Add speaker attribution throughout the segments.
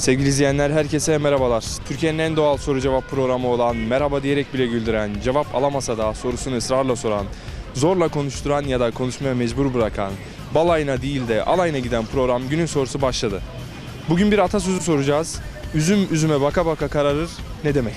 Speaker 1: Sevgili izleyenler, herkese merhabalar. Türkiye'nin en doğal soru cevap programı olan merhaba diyerek bile güldüren, cevap alamasa da sorusunu ısrarla soran, zorla konuşturan ya da konuşmaya mecbur bırakan, balayına değil de alayına giden program Günün Sorusu başladı. Bugün bir atasözü soracağız. Üzüm üzüme baka baka kararır ne demek?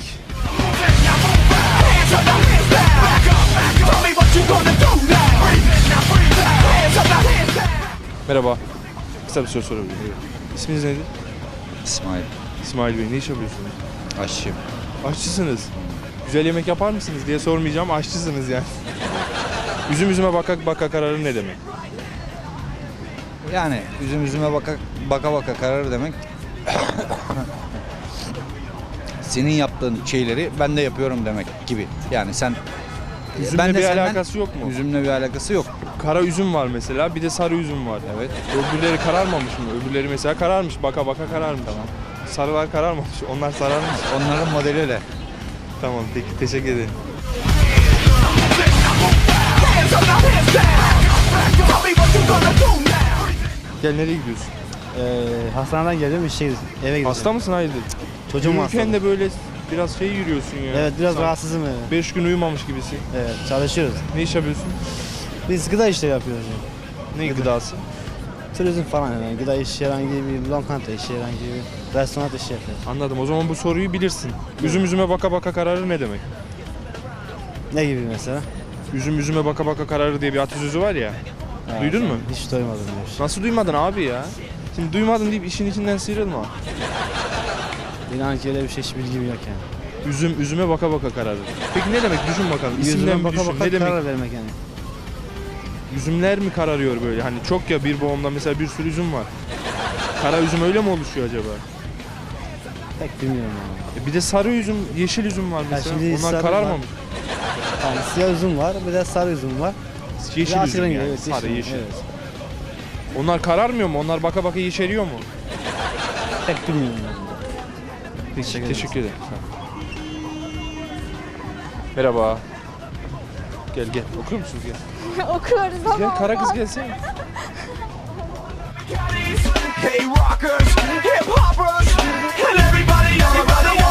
Speaker 1: Merhaba. Kısa bir soru sorabilir miyim? İsminiz nedir?
Speaker 2: İsmail.
Speaker 1: İsmail Bey, ne iş yapıyorsunuz?
Speaker 2: Aşçıyım.
Speaker 1: Aşçısınız. Güzel yemek yapar mısınız diye sormayacağım, aşçısınız yani. Üzüm üzüme baka baka kararır ne demek?
Speaker 2: Yani üzüm üzüme baka baka karar demek. Senin yaptığın şeyleri ben de yapıyorum demek gibi. Yani sen
Speaker 1: Üzümle
Speaker 2: ben de
Speaker 1: bir
Speaker 2: senden-
Speaker 1: alakası yok mu?
Speaker 2: Üzümle bir alakası yok.
Speaker 1: Kara üzüm var mesela, bir de sarı üzüm var.
Speaker 2: Evet.
Speaker 1: Öbürleri kararmamış mı? Öbürleri mesela kararmış, baka baka kararmış.
Speaker 2: Tamam.
Speaker 1: Sarılar kararmamış, onlar sararmış.
Speaker 2: Onların modeli öyle.
Speaker 1: Tamam, peki teşekkür ederim. Gel, nereye gidiyorsun?
Speaker 3: Hastaneden geliyorum, eve gidiyorum.
Speaker 1: Hasta mısın, hayırdır?
Speaker 3: Çocuğum hasta.
Speaker 1: Yürürken de böyle biraz şey yürüyorsun ya.
Speaker 3: Evet, biraz
Speaker 1: Sanki
Speaker 3: rahatsızım. Evet.
Speaker 1: 5 gün uyumamış gibisin.
Speaker 3: Evet, çalışıyoruz.
Speaker 1: Ne iş yapıyorsun?
Speaker 3: Biz gıda işleri yapıyoruz.
Speaker 1: Ne gıdası?
Speaker 3: Turizm falan yani. Gıda işi, herhangi bir lokanta işi, herhangi bir restoran işi yapıyoruz.
Speaker 1: Anladım. O zaman bu soruyu bilirsin. Üzüm üzüme baka baka kararır ne demek?
Speaker 3: Ne gibi mesela?
Speaker 1: Üzüm üzüme baka baka kararır diye bir atasözü var ya.
Speaker 3: Ha,
Speaker 1: Duydun mu?
Speaker 3: Hiç duymadım diyor.
Speaker 1: Nasıl duymadın abi ya? Şimdi duymadın deyip işin içinden sıyrılma.
Speaker 3: İnan ki öyle bir şey, hiç bilgim yok yani.
Speaker 1: Üzüm üzüme baka baka kararır. Peki ne demek? Düşün bakalım.
Speaker 3: Yüzüme
Speaker 1: İsimden bir
Speaker 3: baka
Speaker 1: düşün.
Speaker 3: baka
Speaker 1: Ne demek?
Speaker 3: karar vermek yani.
Speaker 1: Üzümler mi kararıyor böyle? Hani çok ya, bir boğumda mesela bir sürü üzüm var. Kara üzüm öyle mi oluşuyor acaba?
Speaker 3: Pek bilmiyorum yani.
Speaker 1: Bir de sarı üzüm, yeşil üzüm var mesela.
Speaker 3: şimdi
Speaker 1: Onlar
Speaker 3: sarı
Speaker 1: kararmamış.
Speaker 3: Yani siyah üzüm var, bir de sarı üzüm var.
Speaker 1: Yeşil
Speaker 3: Biraz
Speaker 1: üzüm
Speaker 3: rengi,
Speaker 1: yani.
Speaker 3: evet,
Speaker 1: Sarı, yeşil.
Speaker 3: Evet.
Speaker 1: Onlar kararmıyor mu? Onlar baka baka yeşeriyor mu?
Speaker 3: Pek bilmiyorum yani.
Speaker 1: Peki,
Speaker 3: Teşekkür
Speaker 1: teşekkür ederim. Sağ ol. Merhaba. Gel gel. Okur musunuz gel?
Speaker 4: Okuyoruz ama
Speaker 1: Gel, kara kız
Speaker 4: olmaz.
Speaker 1: gelsene.
Speaker 5: Hey rockers, hip hoppers, and everybody on the body.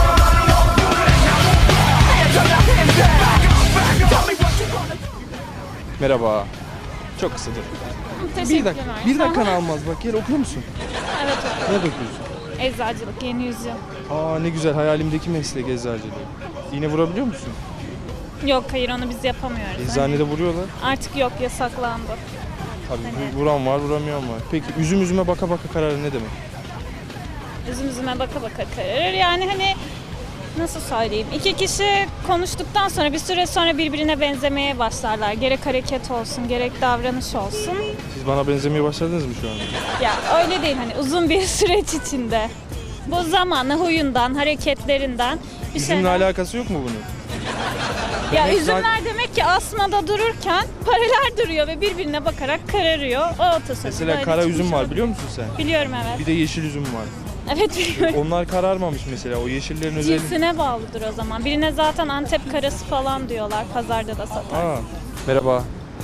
Speaker 5: Hands up, hands down. Tell me what you gonna do.
Speaker 1: Merhaba. Çok kısadır.
Speaker 4: Teşekkürler.
Speaker 1: Bir dakikan almaz bak. Gel, okur musun?
Speaker 4: Evet
Speaker 1: Ne
Speaker 4: okuyorum.
Speaker 1: okuyorsun?
Speaker 4: Eczacılık, yeni yüzyıl.
Speaker 1: Aa, ne güzel, hayalimdeki meslek eczacılığı. İğne vurabiliyor musun?
Speaker 4: Yok hayır onu biz yapamıyoruz.
Speaker 1: Eczanede vuruyorlar.
Speaker 4: Artık yok yasaklandı.
Speaker 1: Tabii
Speaker 4: Hani-
Speaker 1: vuran var, vuramayan var. Peki üzüm üzüme baka baka kararı ne demek?
Speaker 4: Üzüm üzüme baka baka kararır. Yani hani nasıl söyleyeyim? İki kişi konuştuktan sonra bir süre sonra birbirine benzemeye başlarlar. Gerek hareket olsun, gerek davranış olsun.
Speaker 1: Siz bana benzemeye başladınız mı şu anda?
Speaker 4: Ya öyle değil hani uzun bir süreç içinde. Bu zamanla huyundan, hareketlerinden bir
Speaker 1: Üzümle
Speaker 4: şeyler...
Speaker 1: alakası yok mu bunun?
Speaker 4: Ya
Speaker 1: Demek
Speaker 4: üzümler demek ki asmada dururken paralar duruyor ve birbirine bakarak kararıyor. O atasözü
Speaker 1: Mesela
Speaker 4: böyle
Speaker 1: kara
Speaker 4: çıkmış
Speaker 1: üzüm var,
Speaker 4: olabilir.
Speaker 1: biliyor musun sen?
Speaker 4: Biliyorum evet.
Speaker 1: Bir de yeşil üzüm var.
Speaker 4: Evet biliyorum.
Speaker 1: Onlar kararmamış mesela. O yeşillerin özelliği.
Speaker 4: Cinsine bağlıdır o zaman. Birine zaten Antep karası falan diyorlar. Pazarda da satar.
Speaker 1: Aa, merhaba.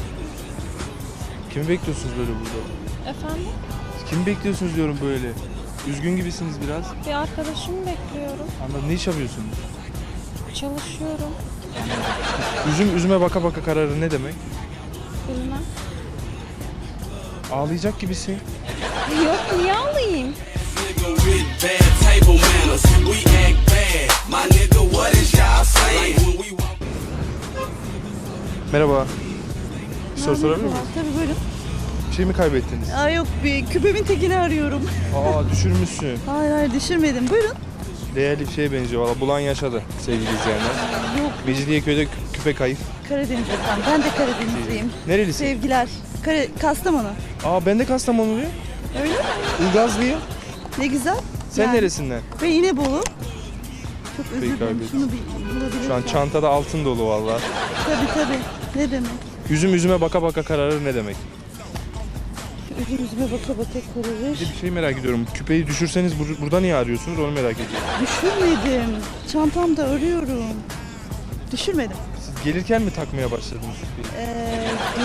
Speaker 1: Kimi bekliyorsunuz böyle burada?
Speaker 4: Efendim?
Speaker 1: Kimi bekliyorsunuz diyorum böyle. Üzgün gibisiniz biraz.
Speaker 4: Bir arkadaşımı bekliyorum.
Speaker 1: Anladım. Ne iş yapıyorsunuz?
Speaker 4: Çalışıyorum.
Speaker 1: Üzüm üzüme baka baka kararı ne demek?
Speaker 4: Bilmem.
Speaker 1: Ağlayacak gibisin.
Speaker 4: Yok niye alayım?
Speaker 5: Nigga with bad table manners, we act bad. My nigga, what is y'all saying? When we walk
Speaker 1: Merhaba. Bir soru sorabilir miyim?
Speaker 6: Tabii buyurun.
Speaker 1: Bir şey mi kaybettiniz?
Speaker 6: Aa, yok bir küpemin tekini arıyorum.
Speaker 1: Aa, düşürmüşsün.
Speaker 6: Hayır düşürmedim. Buyurun.
Speaker 1: Değerli bir şeye benziyor. Valla bulan yaşadı sevgili izleyenler.
Speaker 6: Yok
Speaker 1: Mecidiyeköy'de küpe kayıp.
Speaker 6: Karadeniz efendim. Ben de Karadenizliyim.
Speaker 1: Nerelisin?
Speaker 6: Sevgiler. Kastamonu.
Speaker 1: Aa, ben de Kastamonuluyum.
Speaker 6: Öyle mi?
Speaker 1: Ilgazlıyım.
Speaker 6: Ne güzel.
Speaker 1: Sen
Speaker 6: Yani
Speaker 1: neresinden?
Speaker 6: Ben İnebolu. Çok özür
Speaker 1: Peki,
Speaker 6: dilerim.
Speaker 1: kaybettim.
Speaker 6: Şunu bir bulabilirsem.
Speaker 1: Şu an çantada altın dolu valla.
Speaker 6: Tabii. Ne demek?
Speaker 1: Üzüm üzüme baka baka kararır ne demek?
Speaker 6: Üzüm üzüme baka baka kararır.
Speaker 1: Bir de bir şey merak ediyorum. Küpeyi düşürseniz burada niye arıyorsunuz, onu merak ediyorum.
Speaker 6: Düşürmedim. Çantamda arıyorum. Düşürmedim.
Speaker 1: Siz gelirken mi takmaya başladınız küpeyi?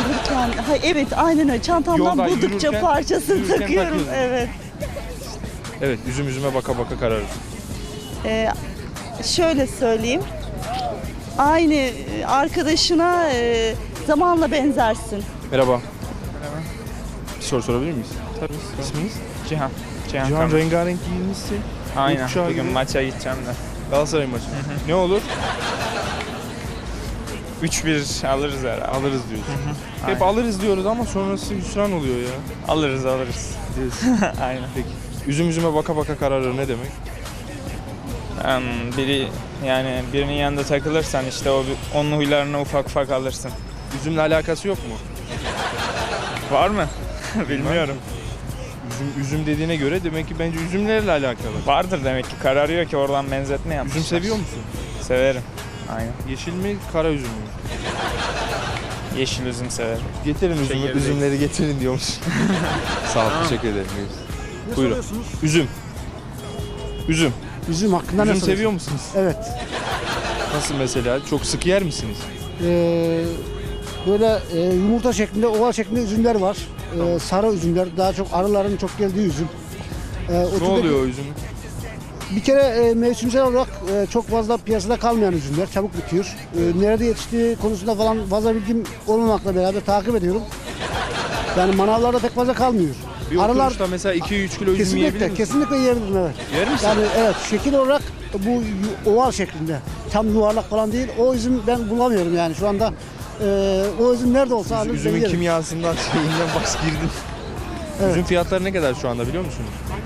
Speaker 6: Gelirken, evet aynen öyle. Çantamdan
Speaker 1: Yolda
Speaker 6: buldukça
Speaker 1: yürürken-
Speaker 6: parçasını
Speaker 1: yürürken
Speaker 6: takıyorum.
Speaker 1: takıyorsun.
Speaker 6: Evet.
Speaker 1: Evet, üzüm üzüme baka baka kararır.
Speaker 6: Şöyle söyleyeyim. Aynı arkadaşına zamanla benzersin.
Speaker 1: Merhaba. Bir soru sorabilir miyiz? Tabii. İsminiz?
Speaker 7: Cihan.
Speaker 1: Cihan,
Speaker 7: Kamer.
Speaker 1: rengarenk giyinmişsin.
Speaker 7: Aynen.
Speaker 1: Uçağa
Speaker 7: Bugün
Speaker 1: gibi.
Speaker 7: maça gideceğim de.
Speaker 1: Galatasaray maçı. Ne olur?
Speaker 7: 3-1 alırız herhalde.
Speaker 1: Alırız diyorsun. Hep
Speaker 7: Aynen.
Speaker 1: alırız diyoruz ama sonrası hüsran oluyor ya.
Speaker 7: Alırız.
Speaker 1: Diyorsun.
Speaker 7: Aynen.
Speaker 1: Peki. Üzüm üzüme baka baka kararır ne demek?
Speaker 7: Birinin yanında takılırsan işte onun huylarını ufak ufak alırsın.
Speaker 1: Üzümle alakası yok mu?
Speaker 7: Var mı? Bilmiyorum.
Speaker 1: Üzüm dediğine göre demek ki bence üzümlerle alakalı.
Speaker 7: Vardır demek ki. Kararıyor ki oradan benzetme yapmışlar.
Speaker 1: Üzüm seviyor musun?
Speaker 7: Severim. Aynen.
Speaker 1: Yeşil mi, kara üzüm mü?
Speaker 7: Yeşil üzüm severim.
Speaker 1: Getirin
Speaker 7: Şeker
Speaker 1: üzümleri getirin diyormuş. Sağ ol, teşekkür ederim. Buyurun. Üzüm. Üzüm.
Speaker 8: Üzüm hakkında ne
Speaker 1: Üzüm
Speaker 8: soruyorsun?
Speaker 1: seviyor musunuz?
Speaker 8: Evet.
Speaker 1: Nasıl mesela? Çok sık yer misiniz?
Speaker 8: Böyle yumurta şeklinde, oval şeklinde üzümler var. Sarı üzümler, daha çok arıların çok geldiği üzüm.
Speaker 1: Ne oluyor o üzüm?
Speaker 8: Bir kere mevsimsel olarak çok fazla piyasada kalmayan üzümler, çabuk bitiyor. Nerede yetiştiği konusunda falan fazla bilgim olmamakla beraber takip ediyorum. Yani manavlarda pek fazla kalmıyor.
Speaker 1: Bir oturuşta mesela 2-3 kilo üzüm yiyebilir
Speaker 8: kesinlikle,
Speaker 1: misin?
Speaker 8: kesinlikle yiyebilirim, evet.
Speaker 1: Yer misin?
Speaker 8: Yani evet, şekil olarak bu oval şeklinde, tam yuvarlak falan değil. O üzüm ben bulamıyorum yani şu anda. O üzüm nerede olsa alırım,
Speaker 1: Üzümün
Speaker 8: yerim.
Speaker 1: kimyasından şeyinden bas girdim.
Speaker 8: Evet.
Speaker 1: Üzüm fiyatları ne kadar şu anda biliyor musunuz?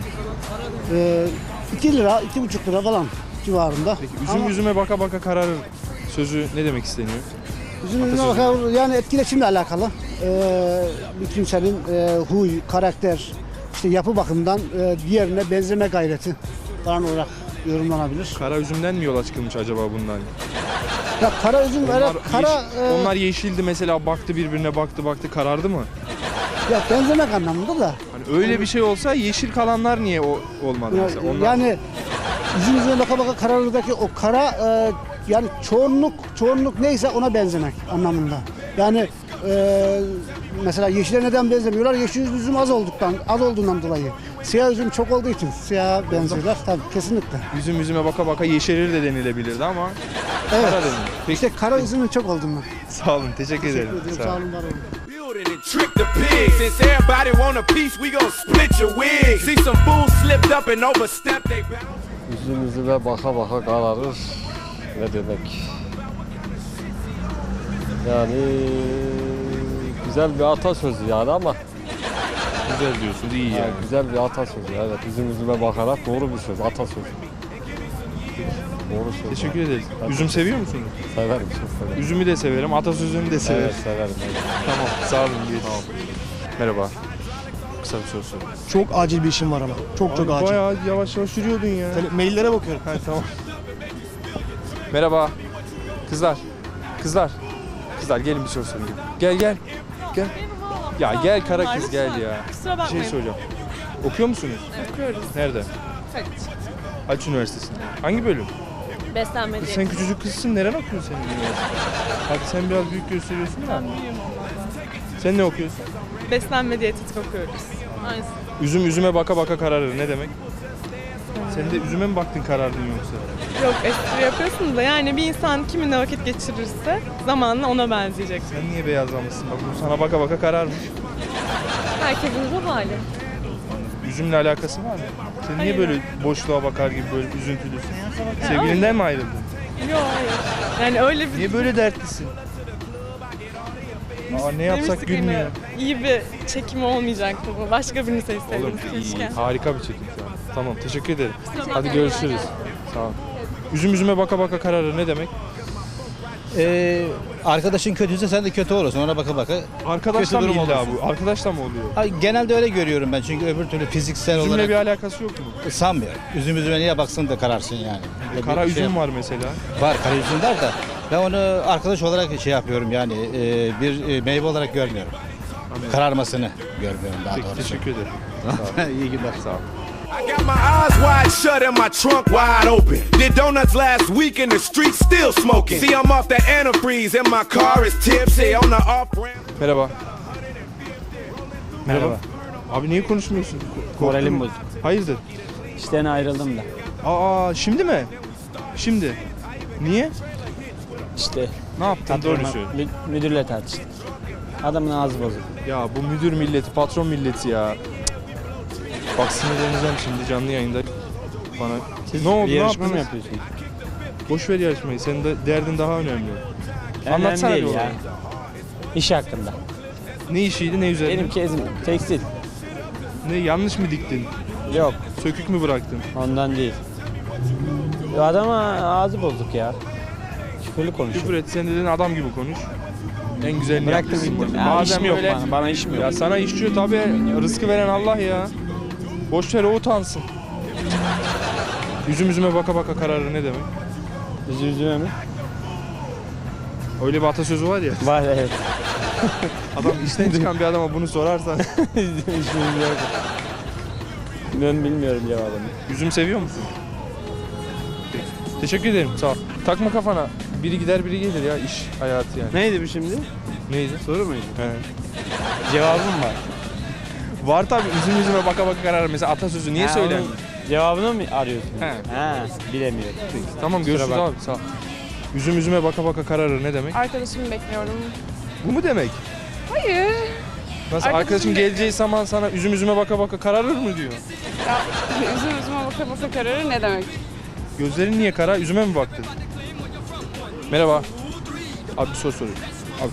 Speaker 8: 2 lira, 2,5 lira falan civarında.
Speaker 1: Peki üzüm üzüme baka baka kararır sözü ne demek isteniyor?
Speaker 8: Üzümüne bakar, yani etkileşimle alakalı. Bir kimsenin huy, karakter, işte yapı bakımından diğerine benzeme gayreti falan olarak yorumlanabilir.
Speaker 1: Kara üzümden mi yola çıkılmış acaba bundan?
Speaker 8: Ya kara üzüm,
Speaker 1: Onlar,
Speaker 8: kara
Speaker 1: onlar yeşildi mesela baktı birbirine baktı karardı mı?
Speaker 8: ya benzemek anlamında da.
Speaker 1: Hani öyle bir şey olsa yeşil kalanlar niye olmadı
Speaker 8: Ya,
Speaker 1: mesela? Onlar...
Speaker 8: yani üzümüne baka baka kararırdaki o kara yani çoğunluk neyse ona benzemek anlamında. Yani mesela yeşile neden benzemiyorlar? Yeşil üzüm az olduğundan dolayı. Siyah üzüm çok olduğu için siyah benziyorlar. Tabii kesinlikle.
Speaker 1: Üzüm üzüme baka baka yeşerir de denilebilirdi ama
Speaker 8: Evet.
Speaker 1: kara denildi. Peki
Speaker 8: İşte kara üzümün çok olduğundan.
Speaker 1: sağ olun teşekkür ederim. Sağ
Speaker 8: Sağ
Speaker 1: olun.
Speaker 8: olun, var olun.
Speaker 5: Building and trick the pigs. Since everybody want a piece, we gon' split your wig. See some fools slipped up and overstepped they boundaries.
Speaker 9: Üzüm üzüme baka baka kararır. Ne demek? Yani güzel bir atasözü yani ama
Speaker 1: Güzel diyorsun iyi yani.
Speaker 9: güzel bir atasözü. Evet, üzüm üzüme bakarak doğru bir söz, atasözü. Doğru söz.
Speaker 1: Teşekkür
Speaker 9: yani.
Speaker 1: ederiz.
Speaker 9: Ben
Speaker 1: Üzüm seviyor musunuz?
Speaker 9: Severim, çok severim.
Speaker 1: Üzümü de severim, atasözünü de severim.
Speaker 9: Evet, severim. Evet.
Speaker 1: Tamam, sağ olun. Merhaba. Kısa bir soru sorayım.
Speaker 10: Çok acil bir işim var ama. Çok
Speaker 1: Abi
Speaker 10: acil.
Speaker 1: Bayağı yavaş yavaş yürüyordun ya.
Speaker 10: Maillere bakıyorum.
Speaker 1: Ha, tamam. Merhaba. Kızlar. Kızlar gelin bir soru sorayım. Gel. Ya gel kara kız gel ya.
Speaker 6: Kusura
Speaker 1: Bir şey
Speaker 6: bakmayın.
Speaker 1: soracağım. Okuyor musunuz?
Speaker 6: Okuyoruz.
Speaker 1: Nerede? Haliç Üniversitesi'nde. Hangi bölüm?
Speaker 6: Beslenme
Speaker 1: Kız sen küçücük kızsın. Neren okuyorsun sen üniversitede? Hadi sen biraz büyük gösteriyorsun da. Sen ne okuyorsun?
Speaker 6: Beslenme diyetetik okuyoruz. Aynısı.
Speaker 1: Üzüm üzüme baka baka kararır. Ne demek? Sen de üzüme mi baktın karardın yoksa?
Speaker 6: Yok, espri yapıyorsunuz da yani bir insan kiminle vakit geçirirse zamanla ona benzeyecek.
Speaker 1: Sen niye beyazlamışsın? Bak bu sana baka baka kararmış.
Speaker 6: Herkesin ruh hali.
Speaker 1: Üzümle alakası var mı? Sen niye böyle boşluğa bakar gibi böyle üzüntülüsün? Sevgilinden mi ayrıldın?
Speaker 6: Yok, hayır. Yani öyle bir...
Speaker 1: Niye böyle dertlisin? Aa, ne yapsak
Speaker 6: Demiştik
Speaker 1: gülmüyor.
Speaker 6: yine, İyi bir çekim olmayacaktı bu. Başka birini seçseydim
Speaker 1: Oğlum iyi,
Speaker 6: keşke.
Speaker 1: harika bir çekim şu an. Tamam teşekkür ederim. Hadi görüşürüz. Sağ ol. Üzüm üzüme baka baka kararır ne demek?
Speaker 2: Arkadaşın kötüyse sen de kötü olursun. Ona baka baka.
Speaker 1: Arkadaşla mı
Speaker 2: Kötü durum
Speaker 1: illa
Speaker 2: olursun.
Speaker 1: bu? Arkadaşla mı oluyor?
Speaker 2: Ay, genelde öyle görüyorum ben çünkü öbür türlü fiziksel
Speaker 1: Üzümle
Speaker 2: olarak
Speaker 1: bir alakası yok mu?
Speaker 2: sanmıyorum. Üzüm üzüme niye baksın da kararsın yani. Öyle
Speaker 1: Kara
Speaker 2: bir
Speaker 1: üzüm
Speaker 2: şey
Speaker 1: var mesela.
Speaker 2: Var, kara üzüm var da ben onu arkadaş olarak şey yapıyorum yani bir meyve olarak görmüyorum. Kararmasını görmüyorum daha
Speaker 1: Peki
Speaker 2: doğrusu.
Speaker 1: teşekkür ederim.
Speaker 2: İyi günler.
Speaker 1: Sağ ol.
Speaker 5: I got my eyes wide shut and my trunk wide open. Did donuts last week in the street still smoking. See, I'm off that antifreeze and my car is tipsy on the off ramp.
Speaker 1: Merhaba. Merhaba. Abi niye konuşmuyorsun?
Speaker 10: Moralim
Speaker 1: bozuk. Hayırdır?
Speaker 11: İşten ayrıldım da.
Speaker 1: Aa şimdi mi? Şimdi. Niye?
Speaker 11: İşte
Speaker 1: Ne yaptın? Doğru söyle.
Speaker 11: müdürle tartıştık. Adamın ağzı bozuk.
Speaker 1: Ya bu müdür milleti, patron milleti ya. Cık. Bak sinirleneceğim şimdi canlı yayında. Bana. Ne oldu?
Speaker 11: Bir
Speaker 1: Ne
Speaker 11: yarışma mı
Speaker 1: yaptınız?
Speaker 11: yapıyorsun?
Speaker 1: Boş ver yarışmayı. Senin de derdin daha önemli.
Speaker 11: Önemli
Speaker 1: Anlatsana
Speaker 11: değil
Speaker 1: bir
Speaker 11: ya.
Speaker 1: olayı.
Speaker 11: İş hakkında.
Speaker 1: Ne işiydi, ne üzerine?
Speaker 11: Benim kezim tekstil.
Speaker 1: Ne yanlış mı diktin?
Speaker 11: Yok,
Speaker 1: Sökük mü bıraktın?
Speaker 11: ondan değil. Adama ağzı bozuk ya. Küfürlü konuşuyor.
Speaker 1: Küfür et. Sen dedin adam gibi konuş. En güzelini
Speaker 11: Bıraktım
Speaker 1: yapmışsın.
Speaker 11: gittim. Ya,
Speaker 1: Bazen
Speaker 11: işim yok
Speaker 1: böyle-
Speaker 11: bana işim yok.
Speaker 1: Ya sana işçiyor tabii. Rızkı veren Allah ya. Boş ver o utansın. Yüzüme baka baka kararır ne demek?
Speaker 11: Üzüldüğüme mi?
Speaker 1: Öyle bir atasözü var ya.
Speaker 11: Var evet.
Speaker 1: Adam işten çıkan bir adama bunu sorarsan.
Speaker 11: Hiç bilmiyorum. Ben bilmiyorum cevabını.
Speaker 1: Üzüm seviyor musun? Peki. Teşekkür ederim. Sağ ol. Takma kafana. Biri gider biri gelir ya iş hayatı yani.
Speaker 11: Neydi bu şimdi?
Speaker 1: Neydi?
Speaker 11: Soru muydu?
Speaker 1: He.
Speaker 11: Cevabım var.
Speaker 1: Var tabii yüzüme baka baka kararır. Mesela atasözü niye
Speaker 11: Ha,
Speaker 1: söylenmiyor?
Speaker 11: onun Cevabını mı arıyorsun?
Speaker 1: He.
Speaker 11: Ha, bilemiyorum.
Speaker 1: Peki. Tamam görüşürüz
Speaker 11: bakma.
Speaker 1: abi sağ ol. Yüzüme baka baka kararır ne demek?
Speaker 6: Arkadaşımı bekliyorum.
Speaker 1: Bu mu demek?
Speaker 6: Hayır.
Speaker 1: Nasıl arkadaşın geleceği zaman sana yüzüme baka baka kararır mı diyor?
Speaker 6: Ya üzüme baka baka kararır ne demek?
Speaker 1: Gözlerin niye kara? Yüzüme mi baktın? Merhaba. Abi bir soru soruyorum. Abi.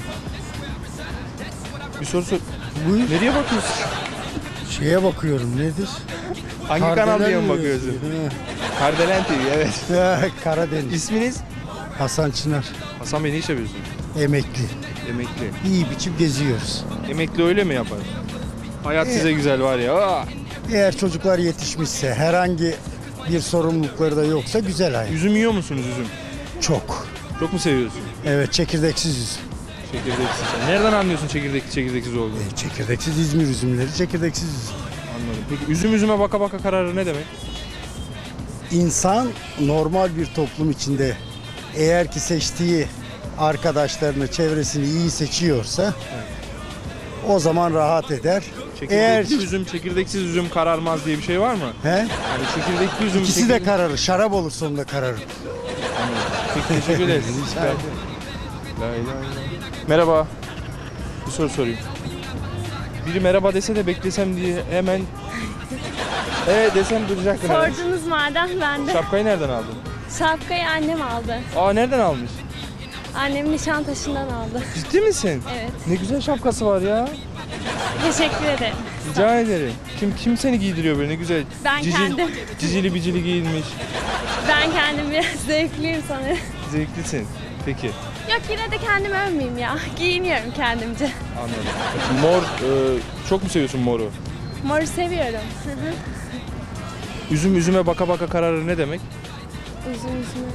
Speaker 1: Bir soru sor.
Speaker 8: Buyur.
Speaker 1: Nereye bakıyorsun?
Speaker 8: Şeye bakıyorum nedir?
Speaker 1: Hangi kanal diye mi bakıyorsun? Kardelen TV evet.
Speaker 8: Karadeniz.
Speaker 1: İsminiz?
Speaker 8: Hasan Çınar.
Speaker 1: Hasan Bey ne iş yapıyorsun?
Speaker 8: Emekli.
Speaker 1: Emekli.
Speaker 8: İyi biçim geziyoruz.
Speaker 1: Emekli öyle mi yapar? Hayat size güzel var ya. Aa!
Speaker 8: Eğer çocuklar yetişmişse, herhangi bir sorumlulukları da yoksa güzel hayat.
Speaker 1: Üzüm yiyor musunuz üzüm?
Speaker 8: Çok.
Speaker 1: Çok mu seviyorsun?
Speaker 8: Evet, çekirdeksiz üzüm.
Speaker 1: Çekirdeksiz. Nereden anlıyorsun çekirdeksiz olduğunu?
Speaker 8: Çekirdeksiz İzmir üzümleri, çekirdeksiz üzüm.
Speaker 1: Anladım. Peki üzüme baka baka kararır ne demek?
Speaker 8: İnsan normal bir toplum içinde eğer ki seçtiği arkadaşlarını, çevresini iyi seçiyorsa o zaman rahat eder. Eğer
Speaker 1: Çekirdeksiz üzüm kararmaz diye bir şey var mı?
Speaker 8: he?
Speaker 1: Yani çekirdekli üzüm...
Speaker 8: İkisi de kararır. Şarap olur sonunda kararır.
Speaker 1: Peki teşekkür ederiz.
Speaker 8: Rica ederim.
Speaker 1: La ilahe illallah. Merhaba. Bir soru sorayım. Biri merhaba dese de beklesem diye hemen desem duracaktın. herhalde.
Speaker 4: Sordunuz madem ben de.
Speaker 1: Şapkayı nereden aldın?
Speaker 4: Şapkayı annem aldı.
Speaker 1: Aa nereden almış?
Speaker 4: Annem Nişantaşı'ndan aldı.
Speaker 1: Ciddi misin?
Speaker 4: Evet.
Speaker 1: Ne güzel şapkası var ya.
Speaker 4: Teşekkür ederim.
Speaker 1: Rica ederim. Kim seni giydiriyor böyle ne güzel?
Speaker 4: Ben kendim.
Speaker 1: Cicili bicili giyinmiş.
Speaker 4: Ben kendim biraz zevkliyim sanırım.
Speaker 1: Zevklisin. Peki.
Speaker 4: Yok yine de kendimi övmeyeyim ya. Giyiniyorum kendimce.
Speaker 1: Anladım. Mor, çok mu seviyorsun moru?
Speaker 4: Moru seviyorum. Hı hı.
Speaker 1: Üzüme baka baka kararır ne demek?
Speaker 4: Üzüme.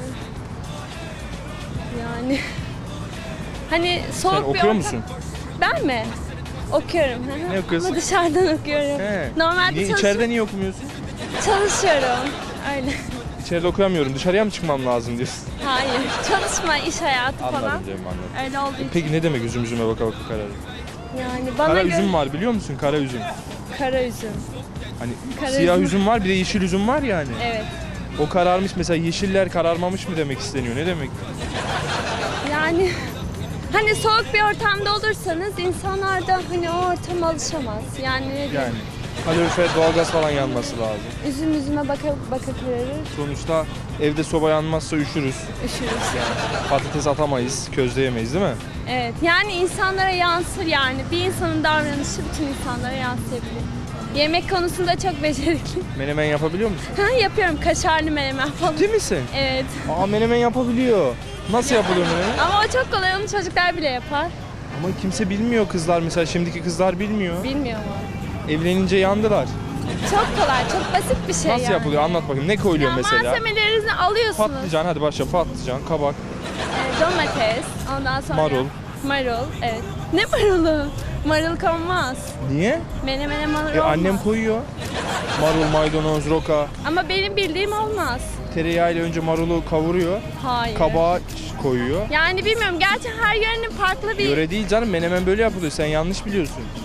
Speaker 4: Yani hani soğuk
Speaker 1: Sen
Speaker 4: bir
Speaker 1: okuyor
Speaker 4: ortam.
Speaker 1: musun?
Speaker 4: Ben mi? Okuyorum. Hı hı.
Speaker 1: Ne okuyorsun?
Speaker 4: Ama dışarıdan okuyorum.
Speaker 1: He.
Speaker 4: Normalde
Speaker 1: Niye, içeride niye okumuyorsun?
Speaker 4: çalışıyorum. Öyle.
Speaker 1: İçeride okuyamıyorum. Dışarıya mı çıkmam lazım diyorsun?
Speaker 4: Hayır. Çalışma, iş hayatı falan.
Speaker 1: Anladım canım anladım.
Speaker 4: Öyle olduğu için.
Speaker 1: Peki ne demek üzüme baka baka kararır?
Speaker 4: Yani bana
Speaker 1: Kara
Speaker 4: göre
Speaker 1: üzüm var biliyor musun? Kara üzüm.
Speaker 4: kara üzüm.
Speaker 1: Hani
Speaker 4: Kara
Speaker 1: siyah
Speaker 4: üzüm.
Speaker 1: üzüm var bir de yeşil üzüm var yani.
Speaker 4: Evet.
Speaker 1: O kararmış mesela yeşiller kararmamış mı demek isteniyor? Ne demek?
Speaker 4: Yani hani soğuk bir ortamda olursanız insanlar da hani o ortama alışamaz. Yani,
Speaker 1: Yani kalorifer doğalgaz falan yanması lazım.
Speaker 4: üzüme baka kararır,
Speaker 1: Sonuçta evde soba yanmazsa üşürüz.
Speaker 4: üşürüz.
Speaker 1: Patates atamayız, közleyemeyiz değil mi?
Speaker 4: Evet. Yani insanlara yansır yani. Bir insanın davranışı bütün insanlara yansıyabilir. Yemek konusunda çok becerikli.
Speaker 1: Menemen yapabiliyor musun?
Speaker 4: Ha, yapıyorum kaşarlı menemen falan.
Speaker 1: Ciddi misin?
Speaker 4: Evet.
Speaker 1: Aa menemen yapabiliyor. Nasıl yapılıyor menemen?
Speaker 4: Ama o çok kolay. Onu çocuklar bile yapar.
Speaker 1: Ama kimse bilmiyor kızlar mesela şimdiki kızlar bilmiyor.
Speaker 4: Bilmiyor mu?
Speaker 1: Evlenince yandılar.
Speaker 4: Çok kolay. Çok basit bir şey
Speaker 1: Nasıl
Speaker 4: yani.
Speaker 1: yapılıyor anlat bakayım ne koyuluyor
Speaker 4: Ya
Speaker 1: mesela?
Speaker 4: malzemelerinizi alıyorsunuz.
Speaker 1: Patlıcan hadi başla patlıcan, kabak,
Speaker 4: Domates, ondan sonra
Speaker 1: marul.
Speaker 4: Marul, evet. Ne marulu? Marul konmaz.
Speaker 1: Niye?
Speaker 4: Menemene marul olmaz.
Speaker 1: Annem koyuyor. Marul, maydanoz, roka.
Speaker 4: Ama benim bildiğim olmaz.
Speaker 1: Tereyağıyla önce marulu kavuruyor.
Speaker 4: Hayır.
Speaker 1: Kabağı koyuyor.
Speaker 4: Yani bilmiyorum. Gerçi her yörenin farklı bir...
Speaker 1: Yöre değil canım menemen böyle yapılıyor. Sen yanlış biliyorsun.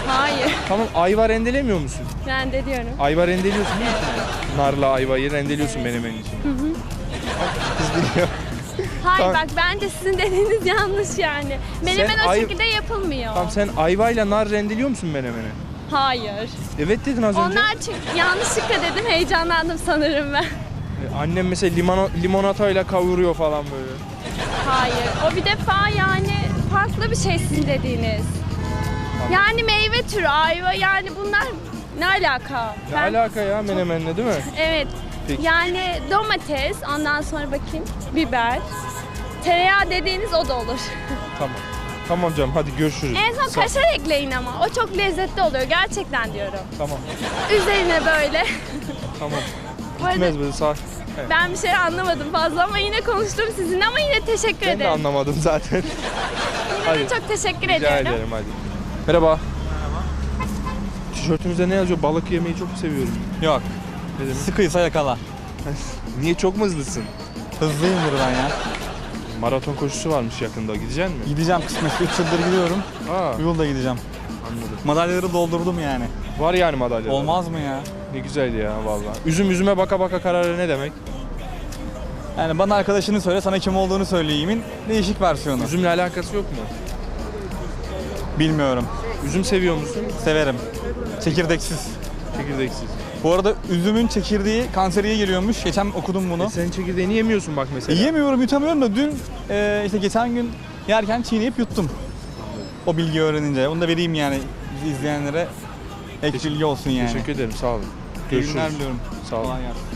Speaker 6: Hayır.
Speaker 1: Tamam, ayva rendelemiyor musun?
Speaker 6: Ben de diyorum.
Speaker 1: Ayva rendeliyorsun değil mi? Narla ayvayı rendeliyorsun menemen için. Kız biliyor.
Speaker 6: Hayır
Speaker 1: Tamam.
Speaker 6: bak bence sizin dediğiniz yanlış yani. Menemen
Speaker 1: Sen
Speaker 6: o
Speaker 1: ay-
Speaker 6: şekilde yapılmıyor.
Speaker 1: Tamam, sen ayvayla nar rendeliyor musun menemene?
Speaker 6: Hayır.
Speaker 1: Evet dedin az önce.
Speaker 6: Onlar çünkü yanlışlıkla dedim, heyecanlandım sanırım ben.
Speaker 1: Annem mesela limonatayla kavuruyor falan böyle.
Speaker 6: Hayır. O bir defa yani farklı bir şey sizin dediğiniz. Yani meyve türü, ayva yani bunlar ne alaka?
Speaker 1: Ne alaka ya menemenle değil mi?
Speaker 6: Evet.
Speaker 1: Peki.
Speaker 6: Yani domates, ondan sonra bakayım biber. Tereyağı dediğiniz o da olur.
Speaker 1: Tamam. Tamam canım, hadi görüşürüz.
Speaker 6: En son
Speaker 1: Sağ-
Speaker 6: kaşar ekleyin ama. O çok lezzetli oluyor gerçekten diyorum.
Speaker 1: Tamam.
Speaker 6: Üzerine böyle.
Speaker 1: Tamam.
Speaker 6: Bu arada
Speaker 1: Gitmez böyle sağ. Evet.
Speaker 6: ben bir şey anlamadım fazla ama yine konuştum sizinle ama yine teşekkür
Speaker 1: Ben de
Speaker 6: ederim.
Speaker 1: anlamadım zaten.
Speaker 6: Yine
Speaker 1: Hadi.
Speaker 6: de çok teşekkür
Speaker 1: Rica
Speaker 6: ediyorum.
Speaker 1: ederim hadi. Merhaba. Tişörtümüzde ne yazıyor? Balık yemeyi çok seviyorum.
Speaker 11: Yok.
Speaker 1: Ne demek?
Speaker 11: Sıkıysa yakala.
Speaker 1: Niye, çok mu hızlısın?
Speaker 11: Hızlıyımdır ben ya.
Speaker 1: Maraton koşusu varmış yakında. Gidecek misin?
Speaker 11: Gideceğim kısmet. 3 yıldır gidiyorum.
Speaker 1: Aa,
Speaker 11: Bu yılda gideceğim.
Speaker 1: anladım.
Speaker 11: Madalyaları doldurdum yani.
Speaker 1: Var yani madalya.
Speaker 11: Olmaz mı ya?
Speaker 1: Ne güzel ya vallahi. Üzüm üzüme baka baka kararı ne demek?
Speaker 11: Yani bana arkadaşını söyle, sana kim olduğunu söyleyeyimin değişik versiyonu.
Speaker 1: Üzümle alakası yok mu?
Speaker 11: Bilmiyorum.
Speaker 1: Üzüm seviyor musun?
Speaker 11: Severim. Çekirdeksiz.
Speaker 1: Çekirdeksiz.
Speaker 11: Bu arada üzümün çekirdeği kanseriye geliyormuş. Geçen okudum bunu.
Speaker 1: Sen çekirdeğini yemiyorsun bak mesela.
Speaker 11: Yiyemiyorum, yutamıyorum da dün işte geçen gün yerken çiğneyip yuttum. O bilgiyi öğrenince. Onu da vereyim yani izleyenlere. Ek bilgi olsun yani.
Speaker 1: Teşekkür ederim, sağ olun.
Speaker 11: İyi
Speaker 1: Görüşürüz.
Speaker 11: günler diliyorum.
Speaker 1: Sağ olun.
Speaker 11: Kolay gelsin.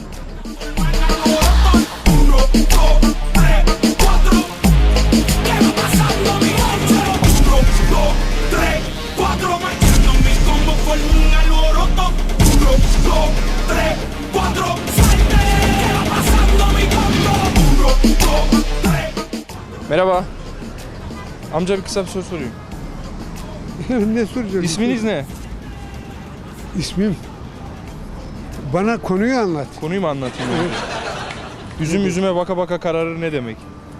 Speaker 1: Merhaba. Amca bir kısa bir soru sorayım.
Speaker 12: Ne soracağım?
Speaker 1: İsminiz ne?
Speaker 12: İsmim. Bana konuyu anlat.
Speaker 1: Konuyu mu anlatayım önce? Üzüm üzüme baka baka kararır ne demek?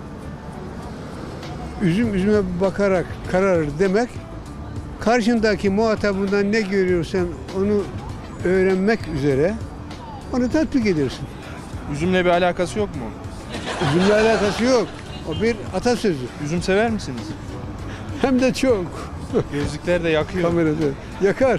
Speaker 12: Üzüm üzüme bakarak kararır demek, karşındaki muhatabından ne görüyorsan onu öğrenmek üzere onu tatbik edersin.
Speaker 1: Üzümle bir alakası yok mu?
Speaker 12: Üzümle alakası yok. O bir atasözü.
Speaker 1: Üzüm sever misiniz?
Speaker 12: Hem de çok.
Speaker 1: Gözlükler de yakıyor.
Speaker 12: Kamerada yakar.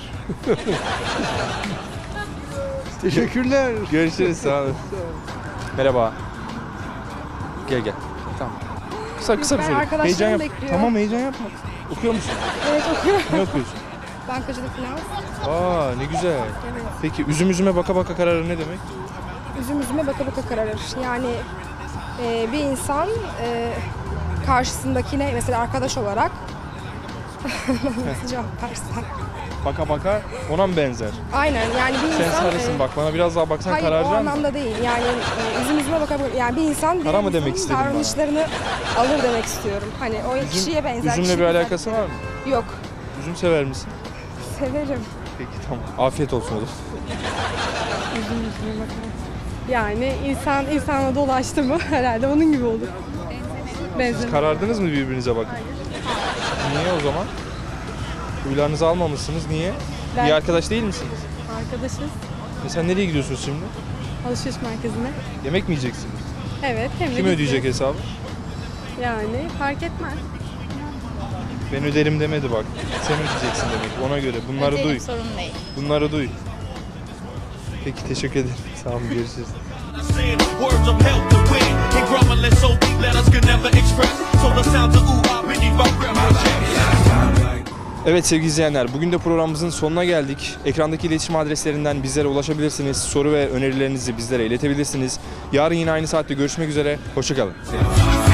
Speaker 12: Teşekkürler.
Speaker 1: Görüşürüz, sağ olun. Merhaba. Gel gel. Tamam. Kısa bir soru.
Speaker 6: arkadaşlarım
Speaker 1: Heyecan yap.
Speaker 6: bekliyor.
Speaker 1: Tamam, heyecan yapma. Okuyor musun?
Speaker 6: Evet okuyorum.
Speaker 1: Ne okuyorsun?
Speaker 6: Bankacılık finans.
Speaker 1: Aa, ne güzel. Peki üzüm üzüme baka baka kararır ne demek?
Speaker 6: Üzüm üzüme baka baka kararır. Yani bir insan karşısındakine mesela arkadaş olarak nasıl cevap versen?
Speaker 1: Baka baka ona mı benzer?
Speaker 6: Aynen yani bir
Speaker 1: Sen
Speaker 6: insan...
Speaker 1: sarısın bak, bana biraz daha baksan
Speaker 6: Hayır o
Speaker 1: kararacaksın.
Speaker 6: anlamda değil. Yani üzüm üzüme baka baka yani bir insan
Speaker 1: Kara mı
Speaker 6: diğer
Speaker 1: demek
Speaker 6: insanın
Speaker 1: istedin bana?
Speaker 6: davranışlarını alır demek istiyorum. Hani o kişiye benzer.
Speaker 1: Üzümle
Speaker 6: kişiye
Speaker 1: bir
Speaker 6: benzer.
Speaker 1: alakası var mı?
Speaker 6: Yok.
Speaker 1: Üzüm sever misin?
Speaker 6: Severim.
Speaker 1: Peki tamam. Afiyet olsun oğlum.
Speaker 6: Üzüm üzüme baka. Yani insana dolaştı mı herhalde onun gibi olur. Benzer.
Speaker 1: Karardınız mı birbirinize bakın? Niye o zaman? Huylarınızı almamışsınız. Niye?
Speaker 6: Ben-
Speaker 1: İyi arkadaş değil misiniz?
Speaker 6: Arkadaşız.
Speaker 1: Sen nereye gidiyorsunuz şimdi?
Speaker 6: Alışveriş merkezine.
Speaker 1: Yemek mi yiyeceksiniz?
Speaker 6: Evet. Hem de
Speaker 1: Kim ödeyecek hesabı?
Speaker 6: Yani fark etmez.
Speaker 1: Ben öderim demedi bak. Sen ödeyeceksin demek. Ona göre. Bunları duy.
Speaker 4: Sorun değil.
Speaker 1: Bunları duy. Peki teşekkür ederim. Sağ olun, görüşürüz.
Speaker 5: Words of help to win. In grammar, so deep letters could never express. So the sounds of ooh, I beneath my breath.
Speaker 1: Evet sevgili izleyenler, bugün de programımızın sonuna geldik. Ekrandaki iletişim adreslerinden bizlere ulaşabilirsiniz. Soru ve önerilerinizi bizlere iletebilirsiniz. Yarın yine aynı saatte görüşmek üzere. Hoşça kalın.